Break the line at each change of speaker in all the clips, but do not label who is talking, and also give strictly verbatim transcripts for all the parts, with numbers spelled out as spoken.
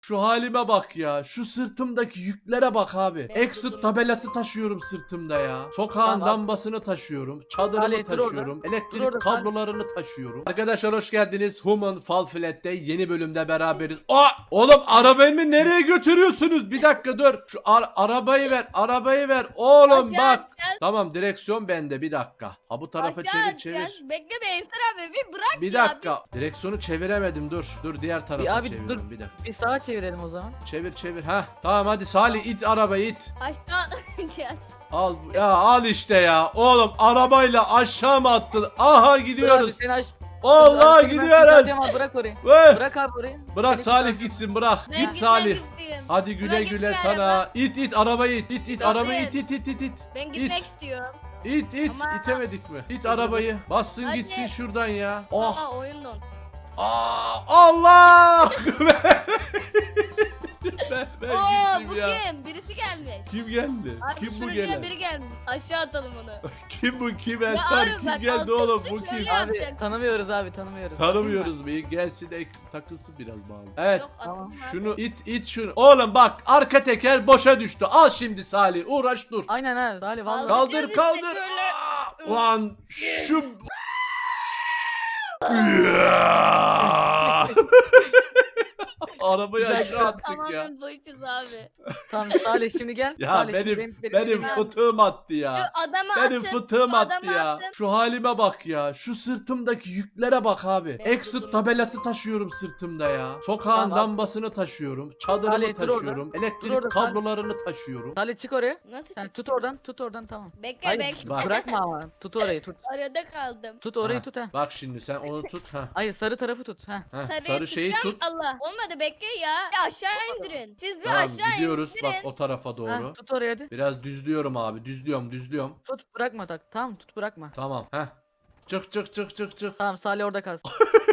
Şu halime bak ya. Şu sırtımdaki yüklere bak abi.
Ben
Exit
buldum.
tabelası taşıyorum sırtımda ya. Sokağın
Tamam.
lambasını taşıyorum. Çadırımı
Salih, dur orada.
taşıyorum.
Dur
Elektrik
orada, Salih.
kablolarını taşıyorum. Arkadaşlar hoş geldiniz. Human Fall Flat'te yeni bölümde beraberiz. Aa! Oğlum arabayı nereye götürüyorsunuz? Bir dakika dur. Şu ar- arabayı ver. Arabayı ver. Oğlum
Aşağı
bak.
gel.
Tamam direksiyon bende bir dakika. Ha bu tarafa
Aşağı
çevir
gel.
çevir.
Bekle be Ensar abi bir bırak
Bir
ya.
dakika. Direksiyonu çeviremedim dur. Dur diğer tarafa
abi,
çeviriyorum
dur.
bir dakika.
Bir sağa çevirelim o zaman.
Çevir çevir. Ha tamam hadi Salih it arabayı it.
Aşağı gel.
Al ya al işte ya. Oğlum arabayla aşağı mı attın? Aha
Dur abi,
gidiyoruz.
seni aç.
Allah
Abi, seni ben
gidiyoruz.
kurtaracağım abi, bırak orayı.
Vay.
Bırak abi orayı.
Bırak
Seni
Salih
kurtaracağım.
gitsin bırak.
Ben
Git
gitmek
Salih.
istiyorum.
Hadi güle
Buna
güle
gitme
sana.
araba.
İt it arabayı it. İt it
Yok,
arabayı
evet.
it it it it it.
Ben gitmek
İt.
istiyorum.
İt it
Ama-
itemedik mi? İt arabayı. Bassın
Hadi.
gitsin şuradan ya. Oh.
Aa oyun don.
Aa, Allah. ben, ben
Oo
gittim
bu
ya.
kim? Birisi gelmiş.
Kim geldi?
Abi
kim bu
şuraya
gelen?
biri gelmiş. Aşağı atalım onu.
Kim bu kim
Ya
Ensar?
abi
Kim
bak,
geldi
altı
oğlum?
üstü
Bu kim?
şöyle-
Abi
yapacak?
tanımıyoruz abi tanımıyoruz.
Tanımıyoruz bir gelsin ek, takılsın biraz bağlı. Evet.
Yok
Tamam.
atılma.
Şunu it it şunu. Oğlum bak arka teker boşa düştü. Al şimdi Salih uğraş dur.
Aynen ha Salih vallahi.
Kaldır.
Kaldır
işte
kaldır.
şöyle.
Aa, Ulan şu Arabayı
Güzel,
aşağı attık ya.
Tamamen boşuz abi.
Tamam Salih şimdi gel.
Ya
Salih,
benim
şimdi
benim,
benim-
fıtığım attı
Şu
ya.
adamı
Benim
atın.
fıtığım
şu
attı
adamı
ya.
atın.
Şu halime bak ya. Şu sırtımdaki yüklere bak abi.
Ben
Exit
buldum.
tabelası taşıyorum sırtımda ya. Sokağın
Tamam.
lambasını taşıyorum. Çadırımı
Salih, dur orada.
taşıyorum. Elektrik
Dur orada, Salih.
kablolarını taşıyorum.
Salih çık oraya.
Nasıl?
Sen tut oradan tut oradan tamam.
Bekle
Hayır
bekle.
bak.
bırakma ama. Tut orayı tut.
Arada kaldım.
Tut orayı
Ha,
tut ha.
Bak şimdi sen onu tut ha.
Hayır sarı tarafı tut ha.
Heh,
Sarıyı
sarı şeyi
tutacağım.
tut.
Allah. Olmadı bekle ya. Ya aşağı indirin. Siz bir
Tamam
aşağı
gidiyoruz
indirin.
bak o tarafa doğru.
Ha, tut oraya hadi.
Biraz düzlüyorum abi. Düzlüyorum düzlüyorum.
Tut bırakma tak. Tamam tut bırakma.
Tamam. Heh. Çık çık çık çık çık.
Tamam Salih orada kalsın.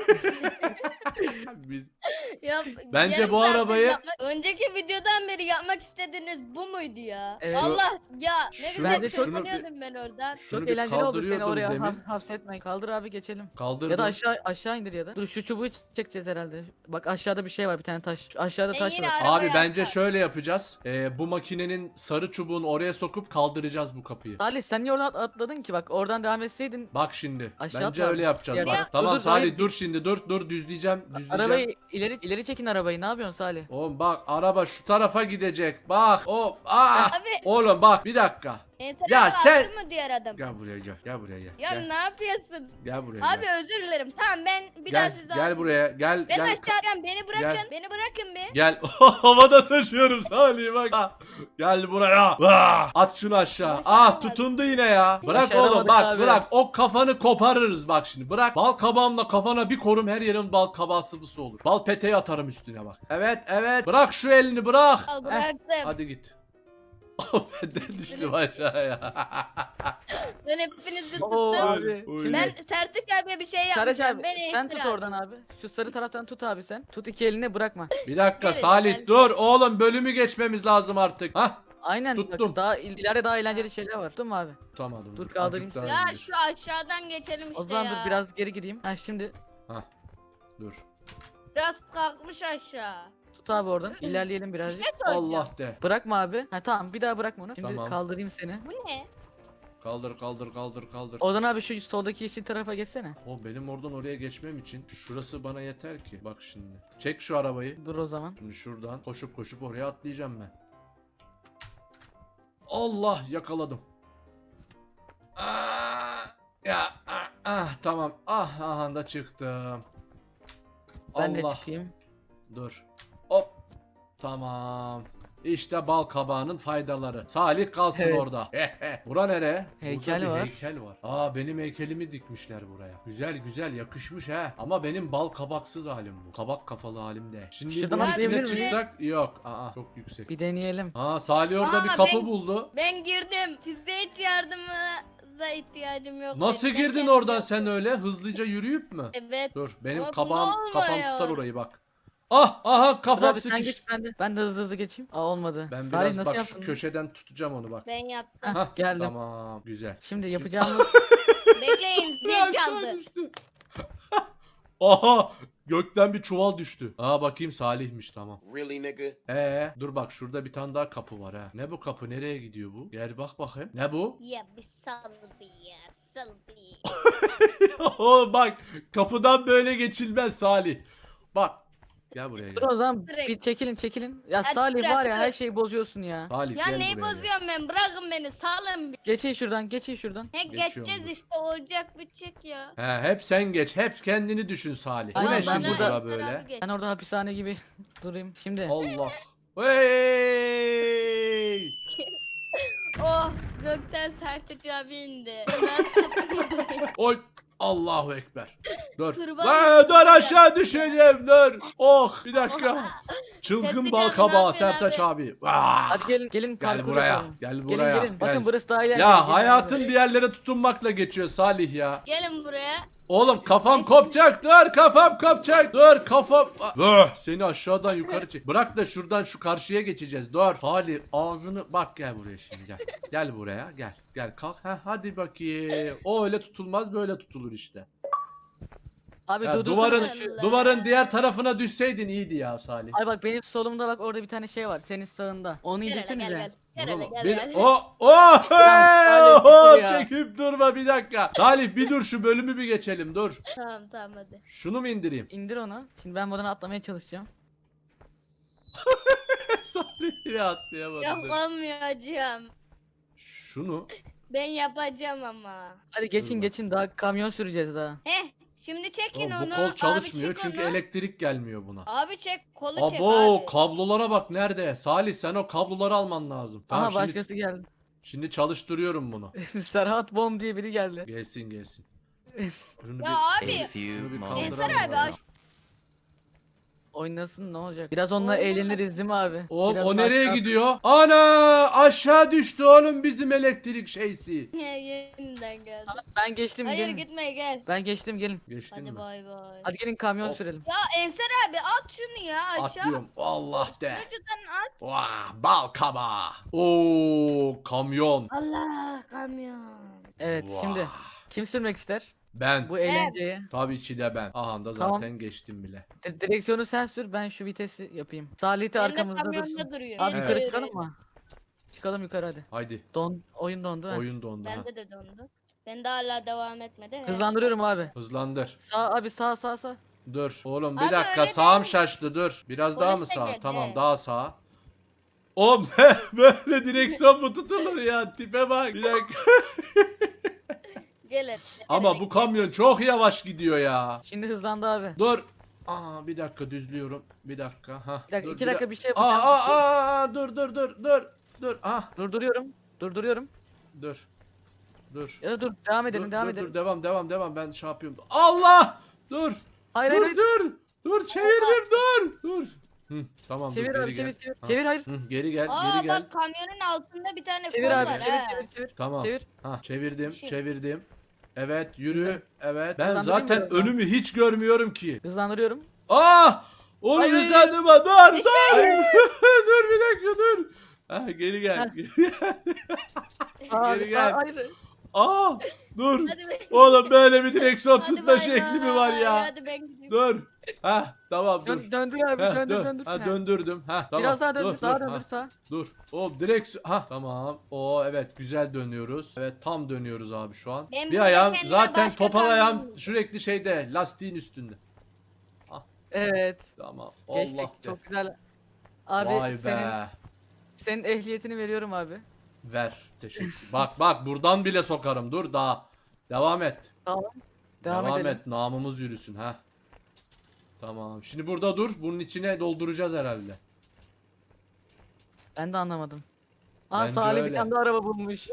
Biz...
Ya,
Bence
yarım
bu
saattir
arabayı-
yapmak- önceki videodan beri yapmak istediğiniz bu muydu ya?
Evet.
Allah ya ne
Şunu-
güzel
Bence çok-
tırmanıyordum ben oradan.
Şunu
Çok
bir
eğlenceli oldu seni
kaldırıyordum
oraya
demin.
haf- hapsetmeyin. Kaldır abi geçelim.
Kaldırdım.
Ya da aşağı aşağı indir ya da. Dur şu çubuğu çekeceğiz herhalde. Bak aşağıda bir şey var bir tane taş. Şu aşağıda
Ben
taş
yine
var.
ara-
Abi
Arabaya
bence
atar.
şöyle yapacağız. Ee, bu makinenin sarı çubuğunu oraya sokup kaldıracağız bu kapıyı.
Salih sen niye oradan at- atladın ki? Bak oradan devam etseydin
Bak şimdi.
Aşağı
Bence
atla
öyle
abi.
yapacağız
Gel.
bak.
Ya-
Tamam
Dur, dur,
Salih
hayır.
dur şimdi dur dur düzleyeceğim düzleyeceğim.
arabayı ileri ileri çekin arabayı. Ne yapıyorsun Salih?
Oğlum bak araba şu tarafa gidecek. Bak. O aa.
Abi
Oğlum bak bir dakika.
Ensar
Ya
abi
sen-
attın mı diğer adam?
Gel buraya gel. Gel buraya gel.
Ya
Gel,
ne yapıyorsun?
gel buraya
Abi
gel.
özür dilerim. Tamam ben bir daha
Gel,
sizi
gel
almayayım.
buraya. Gel
Ben
gel.
aşağıdan beni bırakın.
Gel.
Beni bırakın bir.
Gel. Havada taşıyorum Salih bak. Ah, gel buraya. Ah, at şunu aşağı.
Aşağı
Ah
olmaz.
tutundu yine ya. Bırak
Başaramadık
oğlum bak
abi.
bırak. O kafanı koparırız bak şimdi. Bırak. Bal kabağımla kafana bir korum her yerin bal kabağı sıvısı olur. Bal peteği atarım üstüne bak. Evet evet. Bırak şu elini bırak.
Al
Heh,
bıraktım.
hadi git. Ben de düştüm aşağıya.
Ben hepinizi
Oo
tuttum.
abi.
Oy.
Şimdi
Ben Sertik abiye bir şey
Sarıç
yapmayacağım.
abi
Beni
sen
iftira
tut
at.
oradan abi. Şu sarı taraftan tut abi sen. Tut iki elini bırakma.
Bir dakika
Evet,
Salih
ben-
dur oğlum bölümü geçmemiz lazım artık. Hah.
Aynen.
Tuttum.
Bak, daha il- ileride daha eğlenceli şeyler var. Tuttum mu abi?
Tutamadım.
Dur,
Azıcık
kaldırayım
daha
seni.
Ya
indir.
şu aşağıdan geçelim işte
O zaman
ya.
dur biraz geri gideyim. Ha şimdi
Hah. Dur.
Biraz kalkmış aşağı.
tut abi oradan. İlerleyelim birazcık.
Ne soracağım?
Allah de.
Bırakma abi. Ha tamam bir daha bırakma onu. Şimdi
Tamam.
kaldırayım seni.
Bu ne?
Kaldır kaldır kaldır kaldır.
Ozan abi şu soldaki yeşil tarafa geçsene.
O benim oradan oraya geçmem için şurası bana yeter ki. Bak şimdi. Çek şu arabayı.
Dur o zaman.
Şimdi şuradan koşup koşup oraya atlayacağım ben. Allah yakaladım. Aa, ya ah, ah, tamam. Ah aha da çıktım.
Ben de
Allah.
çıkayım.
Dur. Hop. Tamam. İşte bal kabağının faydaları. Salih kalsın
Evet.
orada. Bura nere?
Heykel
Burada bir
var.
heykel var. Aa benim heykelimi dikmişler buraya. Güzel güzel yakışmış he. Ama benim bal kabaksız halim bu. Kabak kafalı halim de. Şimdi
Şuradan
bunun üstüne
atlayabilir miyim?
çıksak yok. Aa çok yüksek.
Bir deneyelim.
Aa Salih orada
Aa,
bir kapı
ben-
buldu.
Ben girdim. Sizde hiç yardımınıza ihtiyacım yok.
Nasıl
Ben
girdin
kendim
oradan
yaptım.
sen öyle? Hızlıca yürüyüp mü?
Evet.
Dur benim
Ama
kabağım
bunda
kafam
olmuyor.
tutar orayı bak. Ah aha
Dur
kafam
abi sen
sıkıştı.
geç ben de. Ben de hızlı hızlı geçeyim. Aa olmadı.
Ben
Salih
biraz
nasıl
bak şu
yaptın?
köşeden tutacağım onu bak.
Ben yaptım.
Hah, geldim.
Tamam güzel.
Şimdi yapacağımız
Bekleyin zil çaldı.
düştü. Aha gökten bir çuval düştü. Aa bakayım Salih'miş tamam.
Really, nigga?
Ee dur bak şurada bir tane daha kapı var ha. Ne bu kapı nereye gidiyor bu? Gel bak bakayım. Ne bu?
Ya bir sal bir ya. Sal bir.
Oğlum bak kapıdan böyle geçilmez Salih. Bak. Gel buraya
Dur
gel.
o zaman
Direkt.
bir çekilin çekilin. Ya
Hadi
Salih
bırak,
var ya
dur.
her şeyi bozuyorsun ya.
Salih
Ya
gel
neyi
buraya gel.
bozuyorum ben? Bırakın beni. Salın bir.
Geçin şuradan geçin şuradan.
He
Geçiyorum,
geçeceğiz
dur.
işte. Olacak bitecek ya.
He hep sen geç. Hep kendini düşün Salih. Bu
Aynen,
ne
ben
şimdi
burada-
bura böyle?
Ben orada hapishane gibi durayım. Şimdi
Allah. Hey!
Oh gökten sertici abi indi. Ben tuttum.
Oy. Allahu ekber. Dur.
Kurban
Lan, dur
olayım.
aşağı düşeceğim dur. Oh bir dakika. Çılgın
Sertaç
bal
abi, ne
kabağı
yapıyorsun
Sertaç abi. Ah.
hadi gelin gelin
Gel
parkur
buraya.
yapalım.
Gel
Gelin
buraya.
gelin.
Gel.
Bakın burası daha eğlenceli.
Ya
Gelin
hayatın
buraya.
bir yerlere tutunmakla geçiyor Salih ya.
Gelin buraya.
Oğlum kafam kopacak dur kafam kopacak dur kafam Dur, seni aşağıdan yukarı çek. Bırak da şuradan şu karşıya geçeceğiz dur. Salih ağzını bak gel buraya şimdi gel. Gel buraya gel gel kalk ha hadi bakayım. O öyle tutulmaz böyle tutulur işte.
Abi
Ya
durdursana
duvarın
şu-
duvarın diğer tarafına düşseydin iyiydi ya Salih.
Ay bak benim solumda bak orada bir tane şey var. Senin sağında. Onu
Gel hele
indirsenize.
gel gel. Gel
Oğlum,
hele gel
bir-
gel.
o o
Salih,
hop
dur ya.
çekip durma bir dakika. Salih bir dur şu bölümü bir geçelim dur.
Tamam tamam hadi.
Şunu mu indireyim?
İndir onu. Şimdi ben buradan atlamaya çalışacağım.
Salih ya atlayamadı. dur.
Yapamayacağım.
Şunu
Ben yapacağım ama.
Hadi geçin
bak.
geçin daha kamyon süreceğiz daha.
Heh şimdi çekin
Oğlum,
onu.
bu kol çalışmıyor
abi, çek
çünkü
onu.
elektrik gelmiyor buna.
Abi çek kolu çek
Abo
abi.
kablolara bak nerede? Salih sen o kabloları alman lazım. Tamam
Aha
şimdi,
başkası geldi.
şimdi çalıştırıyorum bunu.
Serhat Bom diye biri geldi.
Gelsin gelsin. Şunu
Ya
bir,
abi.
şunu bir
moments
Ensar
kaldıralım
abi
bakalım.
aç.
Oynasın ne olacak? Biraz onunla
Oynasın.
eğleniriz değil mi abi?
Oğlum
Biraz
o
daha
nereye
aşağı-
gidiyor? Ana aşağı düştü oğlum bizim elektrik şeysi.
Yeniden geldi.
Ben geçtim
Hayır
gelin.
gitme gel.
Ben geçtim gelin.
Geçtin
Hadi
mi?
bay bay.
Hadi gelin kamyon
Hop.
sürelim.
Ya Ensar abi at şunu ya aşağı.
Atlıyorum. Allah de.
Şuradan at.
Vah bal kabağı. Oo kamyon.
Allah kamyon.
Evet
Vah.
şimdi kim sürmek ister
Ben.
bu eğlenceyi?
Tabii ki de ben. Aha da zaten
Tamam.
geçtim bile.
Di- Direksiyonu sen sür ben şu vitesi yapayım. Salih de
Benim de
arkamızda
kamyonda
dursun.
duruyor.
Abi
Evet.
yukarı çıkalım mı? Çıkalım yukarı hadi.
Haydi.
Don oyun dondu. ha.
Oyun dondu ha.
Bende de dondu. Ben de hala devam etmedi.
Hızlandırıyorum abi.
Hızlandır.
Sağ abi sağ sağ sağ.
Dur. Oğlum bir
Abi
dakika
öyle
sağım
değil.
şaştı dur. Biraz daha mı
Polis de
sağ?
geldi.
Tamam daha sağ. Oğlum böyle direksiyon mu tutulur ya? Tipe bak. Bir dakika.
Gel hadi.
Ama
Gel,
bu
gel.
kamyon çok yavaş gidiyor ya.
Şimdi hızlandı abi.
Dur. Aa bir dakika düzlüyorum. Bir dakika. Ha.
Bir dakika
dur,
iki
bir
dakika bir şey
Aa,
yapacağım.
aa, aa, aa, dur dur dur dur. Dur. Ah
Durduruyorum. Durduruyorum.
dur. Dur.
Ya da dur devam edelim
dur,
devam
dur,
edelim.
dur, devam devam devam ben şey yapıyorum. Allah! Dur.
Hayır
dur
hayır hayır.
dur. Dur çevirdim dur. Dur. Hı, tamam
Çevir
dur
abi
geri
çevir
gel.
çevir.
Ha.
Çevir hayır.
Hı, geri gel
Aa
geri gel.
bak kamyonun altında bir tane
Çevir
kol
abi
var
çevir
ha.
çevir çevir.
Tamam.
Çevir.
Ha çevirdim
Şey.
çevirdim. Evet yürü.
Güzel.
Evet. Ben
Hızlandırayım mı
zaten
biraz daha?
önümü hiç görmüyorum ki.
Hızlandırıyorum.
Ah! Oğlum
Hayır.
hızlandım ha. Dur dur. dur bir dakika dur. Ha geri gel.
Heh.
Geri gel.
Aa,
Geri
sağ-
gel.
hayır.
Aa! Dur.
Hadi ben-
Oğlum böyle bir direksiyon
Hadi
tutma
bay
şekli mi
bay,
var ya?
Hadi ben gideyim.
Dur. Ha tamam dur.
Dön, döndür abi
Heh,
döndür
dön.
döndür.
Ha
Heh.
döndürdüm. Ha tamam.
Biraz daha döndür
dur,
daha
dur.
döndür
Ha,
sağ.
dur. O direksiyon. Ha tamam. O evet güzel dönüyoruz. Evet tam dönüyoruz abi şu an.
Ben
bir
burada
ayağım
kendime
zaten
başka
topal
kamyon
ayağım
buldum.
sürekli şeyde lastiğin üstünde.
Evet.
Tamam.
Geçtik.
Allah be.
Çok güzel. Abi
Vay be.
senin senin ehliyetini veriyorum abi.
Ver. Teşekkür. Bak bak buradan bile sokarım. Dur daha. Devam et.
Tamam. Devam,
Devam
edelim.
et. Namımız yürüsün ha. Tamam. Şimdi burada dur. Bunun içine dolduracağız herhalde.
Ben de anlamadım. Aa
Bence
Salih bir
öyle.
tane daha araba bulmuş.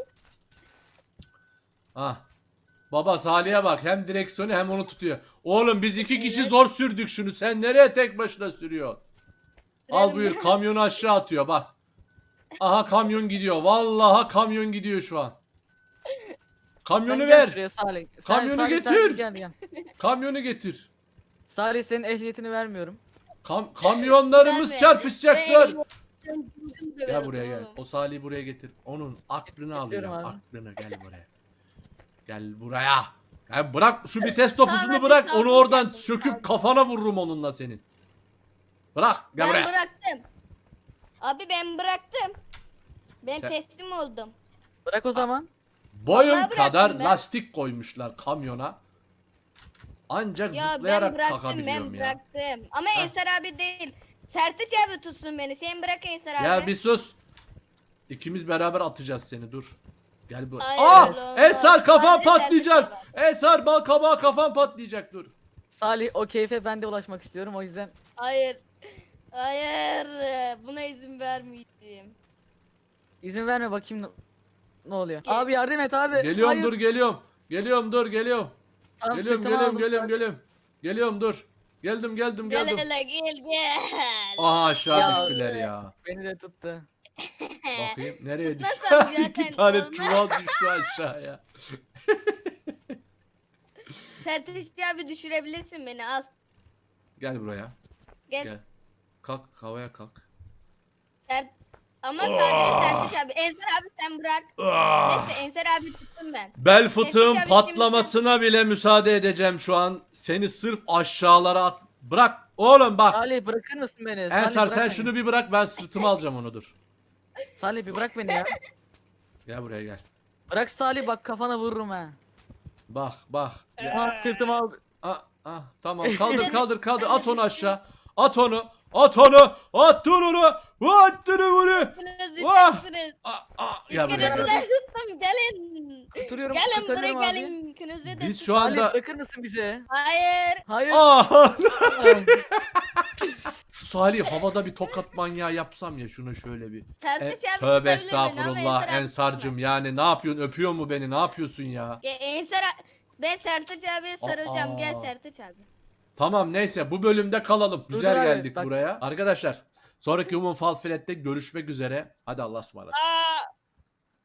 Ah. Baba Salih'e bak hem direksiyonu hem onu tutuyor. Oğlum biz iki kişi
Evet.
zor sürdük şunu. Sen nereye tek başına sürüyorsun? Al
Sürelim
buyur
mi?
kamyonu aşağı atıyor bak. Aha kamyon gidiyor. Vallahi kamyon gidiyor şu an. Kamyonu
Sen gel
ver.
şuraya Salih. Sen-
Kamyonu
Salih, sen
getir.
Gel gel.
Kamyonu getir.
Salih senin ehliyetini vermiyorum.
Kam kamyonlarımız
Verme.
çarpışacak
Ben
dur.
ehliyetimi
Gel
döverim
buraya gel.
oğlum.
O Salih'i buraya getir. Onun aklını
Getiriyorum
alacağım.
abi.
Aklını gel buraya. Gel buraya. Ya bırak şu vites topusunu
Tamam,
bırak.
tamam,
Onu oradan
tamam.
söküp kafana vururum onunla senin. Bırak gel
Ben
buraya.
bıraktım. Abi ben bıraktım. Ben
Sen-
teslim oldum.
Bırak o zaman.
Boyun
Vallahi bıraktım
kadar
ben.
lastik koymuşlar kamyona. Ancak
Ya ben
zıplayarak
bıraktım
kalkabiliyorum
ben
ya.
bıraktım. Ama
Heh.
Ensar abi değil. Sertaç abi tutsun beni. Sen bırak Ensar abi.
Ya bir sus. İkimiz beraber atacağız seni dur. Gel buraya.
Hayır,
Aa!
olmaz.
Ensar kafan
Sadece
patlayacak.
Sertaç
Ensar bal kabağı kafan patlayacak dur.
Salih o keyfe ben de ulaşmak istiyorum o yüzden.
Hayır. Hayır. Buna izin vermeyeceğim.
İzin verme bakayım ne, ne oluyor.
Gel.
Abi yardım et abi.
Geliyorum
Hayır.
dur geliyorum. Geliyorum dur geliyorum.
Tamam,
Geliyorum
sırtıma
geliyorum
aldım.
geliyorum geliyorum. Geliyorum dur. Geldim geldim
Gel
geldim.
hele gel gel.
Aha aşağı
Ya.
düştüler ya.
Beni de tuttu.
Bakayım nereye düştü?
Tutmasam zaten
İki tane
olmaz.
çuval düştü aşağıya.
Sertaç abi düşürebilirsin beni az.
Gel buraya.
Gel.
Gel. Kalk havaya kalk.
Sert... Ama
Ah.
sadece Sertaç abi. Ensar abi sen bırak.
Ah!
Neyse Ensar abi tuttum ben.
Bel fıtığın
Neyse,
patlamasına bile müsaade edeceğim şu an. Seni sırf aşağılara at. Bırak oğlum bak.
Salih bırakır mısın beni? Salih,
Ensar
bırak
sen
beni.
şunu bir bırak ben sırtıma alacağım onu dur.
Salih bir bırak beni ya.
Gel buraya gel.
Bırak Salih bak kafana vururum ha.
Bak bak. Gel.
Bak sırtıma aldı.
Ah, ah, tamam kaldır kaldır kaldır at onu aşağı. At onu. At onu. At onu. At onu bunu.
Üçünüz
Vah!
üçünüz.
Ah, ah. Gel
İkiniz
buraya
de
gel.
tuttum gelin.
Kurtarıyorum
Gelin buraya
kurtarıyorum abi.
gelin. İkinizi de
Biz
tuttum.
şu
Salih
anda
bırakır mısın bizi?
Hayır.
Hayır.
Ah! Şu Salih havada bir tokat manyağı yapsam ya şuna şöyle bir. E,
Sertaç abi
tövbe
tutabilir beni ama
estağfurullah
Ensar abi
Ensar'cım yani ne yapıyorsun öpüyor mu beni ne yapıyorsun ya?
tutamaz. Ya Ensar a- ben Sertaç abiye sarılacağım. Gel
Aa.
Sertaç abi.
Tamam neyse bu bölümde kalalım.
Dur,
Güzel
dur abi,
geldik
bak.
buraya. Arkadaşlar sonraki Human Fall Flat'te görüşmek üzere. Hadi Allah'a ısmarladık.
Aa.